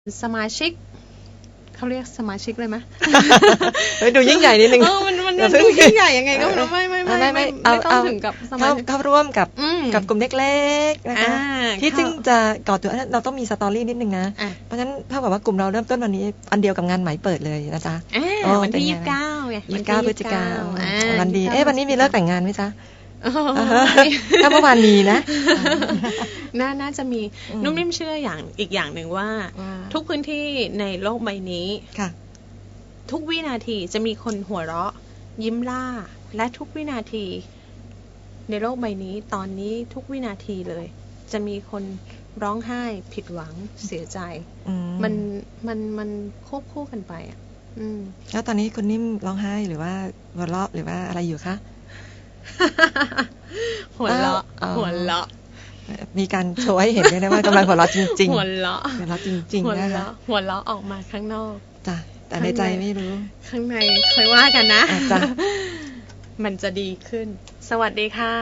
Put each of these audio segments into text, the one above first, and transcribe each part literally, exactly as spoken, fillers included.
สมาชิกเขาเรียกสมาชิกเลยไหมเฮ้ยดูยิ่งใหญ่นิดนึงเออมันมันดูยิ่งใหญ่ยังไงก็ไม่ไม่ไม่ไม่ไม่ไม่ต้องถึงกับสมาชิกเข้าร่วมกับกับกลุ่มเล็กๆนะคะที่ซึ่งจะก่อตัวเราต้องมีสตอรี่นิดนึงนะเพราะฉะนั้นเท่ากับว่ากลุ่มเราเริ่มต้นวันนี้อันเดียวกับงานไหมเปิดเลยนะจ๊ะวันที่ยี่สิบเก้าไงยี่สิบเก้าพฤศจิกายนวันดีเอ๊ะวันนี้มีเลิกแต่งงานไหมจ๊ะถ้าเมื่อวานมีนะน่าน่าจะมีนุ่มนิ่มเชื่ออย่างอีกอย่างหนึ่งว่าทุกพื้นที่ในโลกใบนี้ทุกวินาทีจะมีคนหัวเราะยิ้มล่าและทุกวินาทีในโลกใบนี้ตอนนี้ทุกวินาทีเลยจะมีคนร้องไห้ผิดหวังเสียใจมันมันมันควบคู่กันไปอ่ะแล้วตอนนี้คุณนิ่มร้องไห้หรือว่าหัวเราะหรือว่าอะไรอยู่คะหัวเราะหัวเราะมีการโชว์ให้เห็นด้วยนะว่ากำลังหัวเราะจริงๆหัวเราะหัวเราะจริงๆนะคะหัวเราะออกมาข้างนอกจ้ะแต่ในใจไม่รู้ข้างในค่อยว่ากันนะจ้ะมันจะดีขึ้นสวัสดีค่ะ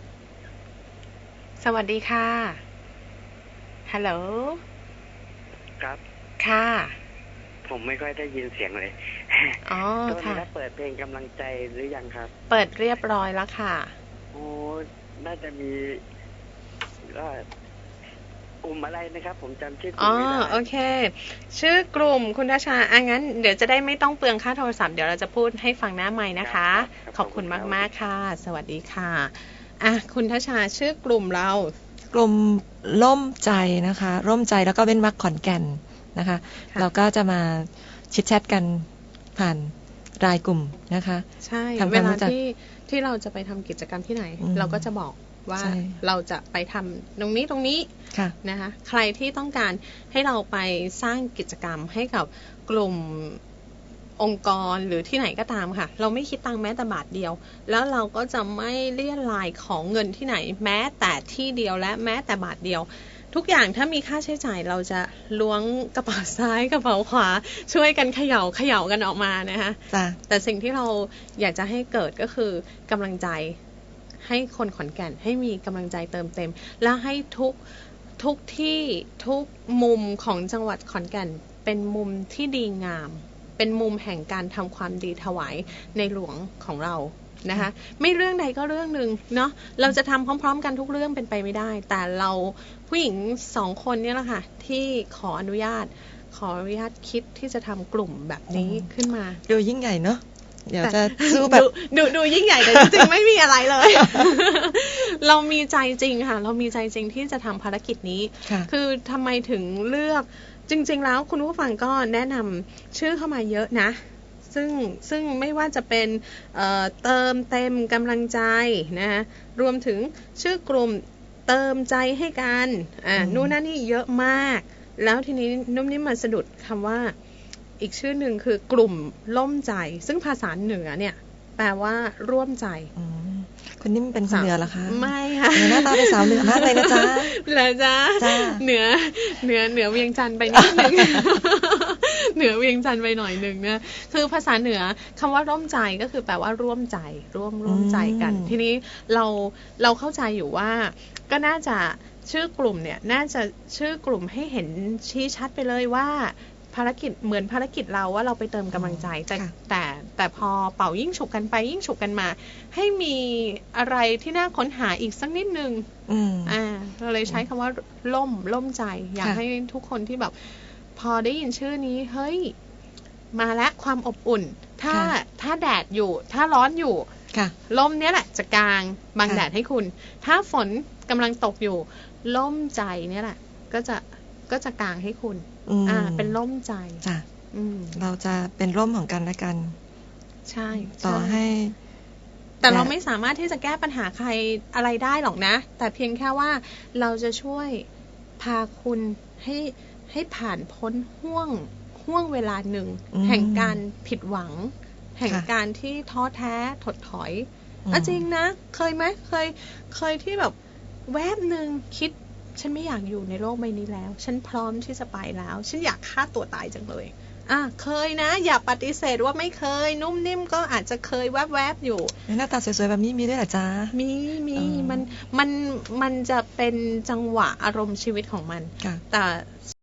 สวัสดีค่ะฮัลโหลครับค่ะผมไม่ค่อยได้ยินเสียงเลยอ๋อค่ะแล้วเปิดเพลงกำลังใจหรือยังครับเปิดเรียบร้อยแล้วค่ะโอ้น่าจะมีก็กลุ่มอะไรนะครับผมจำชื่อกลุ่มไม่ได้อ๋อโอเคชื่อกลุ่มคุณทัชชาอ่ะงั้นเดี๋ยวจะได้ไม่ต้องเปลืองค่าโทรศัพท์เดี๋ยวเราจะพูดให้ฟังหน้าไมค์นะคะขอบคุณมากๆค่ะสวัสดีค่ะอ่ะคุณทัชชาชื่อกลุ่มเรากลุ่มร่มใจนะคะร่มใจแล้วก็เว้นวรรคขอนแก่นนะคะเราก็จะมาชิดแชทกันผ่านรายกลุ่มนะคะใช่เวลาที่ที่เราจะไปทำกิจกรรมที่ไหนเราก็จะบอกว่าเราจะไปทำตรงนี้ตรงนี้นะคะใครที่ต้องการให้เราไปสร้างกิจกรรมให้กับกลุ่มองค์กรหรือที่ไหนก็ตามค่ะเราไม่คิดตังค์แม้แต่บาทเดียวแล้วเราก็จะไม่เลี่ยรายของเงินที่ไหนแม้แต่ที่เดียวและแม้แต่บาทเดียวทุกอย่างถ้ามีค่าใช้จ่ายเราจะล้วงกระเป๋าซ้ายกระเป๋าขวาช่วยกันเขย่าเขย่ากันออกมานะคะแต่สิ่งที่เราอยากจะให้เกิดก็คือกำลังใจให้คนขอนแก่นให้มีกำลังใจเติมเต็มและให้ทุกทุกที่ทุกมุมของจังหวัดขอนแก่นเป็นมุมที่ดีงามเป็นมุมแห่งการทำความดีถวายในหลวงของเรานะคะไม่เรื่องใดก็เรื่องหนึ่งเนาะเราจะทำพร้อมๆกันทุกเรื่องเป็นไปไม่ได้แต่เราผู้หญิงสองคนเนี่ยแหละค่ะที่ขออนุญาตขออนุญาตคิดที่จะทำกลุ่มแบบนี้ขึ้นมาดูยิ่งใหญ่เนาะเดี๋ยวจะสู้แบบดูดูยิ่งใหญ่แต่จริงๆไม่มีอะไรเลย เรามีใจจริงค่ะเรามีใจจริงที่จะทำภารกิจนี้คือทำไมถึงเลือกจริงๆแล้วคุณผู้ฟังก็แนะนำชื่อเข้ามาเยอะนะซึ่งซึ่งไม่ว่าจะเป็นเอ่อเติมเต็มกำลังใจนะรวมถึงชื่อกลุ่มเติมใจให้กันอ่านู่นนั่นนี่เยอะมากแล้วทีนี้นุ่มนิ่มมาสะดุดคำว่าอีกชื่อหนึ่งคือกลุ่มล่มใจซึ่งภาษาเหนือเนี่ยแปลว่าร่วมใจคุณนิ่มเป็นคนเหนือเหรอคะไม่ค่ะหน้าตาเป็นสาวเหนือมากเลยนะจ๊ะเหรอจ๊ะเหนือเหนือเหนือเวียงจันทร์ไปนิดนึงเหนือเวียงจันทร์ไปหน่อยนึงเนี่ยคือภาษาเหนือคำว่าร่วมใจก็คือแปลว่าร่วมใจร่วมร่วมใจกันทีนี้เราเราเข้าใจอยู่ว่าก็น่าจะชื่อกลุ่มเนี่ยน่าจะชื่อกลุ่มให้เห็นชี้ชัดไปเลยว่าภารกิจเหมือนภารกิจเราว่าเราไปเติมกำลังใจแต่แต่แต่พอเป่ายิ่งฉุกกันไปยิ่งฉุกกันมาให้มีอะไรที่น่าค้นหาอีกสักนิดนึงอ่าเราเลยใช้คำว่าล่มล่มใจอยากให้ทุกคนที่แบบพอได้ยินชื่อนี้เฮ้ยมาแล้วความอบอุ่นถ้าถ้าแดดอยู่ถ้าร้อนอยู่ล่มเนี้ยแหละจะกางบังแดดให้คุณถ้าฝนกำลังตกอยู่ล่มใจเนี้ยแหละก็จะก็จะกางให้คุณอ่าเป็นร่มใจจ้ะเราจะเป็นร่มของกันและกันใช่ต่อให้แต่เราไม่สามารถที่จะแก้ปัญหาใครอะไรได้หรอกนะแต่เพียงแค่ว่าเราจะช่วยพาคุณให้ให้ผ่านพ้นห่วงห่วงเวลาหนึ่งแห่งการผิดหวังแห่งการที่ท้อแท้ถดถอยอ่ะจริงนะเคยไหมเคยเคยที่แบบแวบหนึ่งคิดฉันไม่อยากอยู่ในโลกใบนี้แล้วฉันพร้อมที่จะไปแล้วฉันอยากฆ่าตัวตายจังเลยอ่ะเคยนะอย่าปฏิเสธว่าไม่เคยนุ่มนิ่มก็อาจจะเคยแวบๆอยู่หน้าตาสวยๆแบบนี้มีด้วยเหรอจ๊ะมีมีมันมันมันจะเป็นจังหวะอารมณ์ชีวิตของมันแต่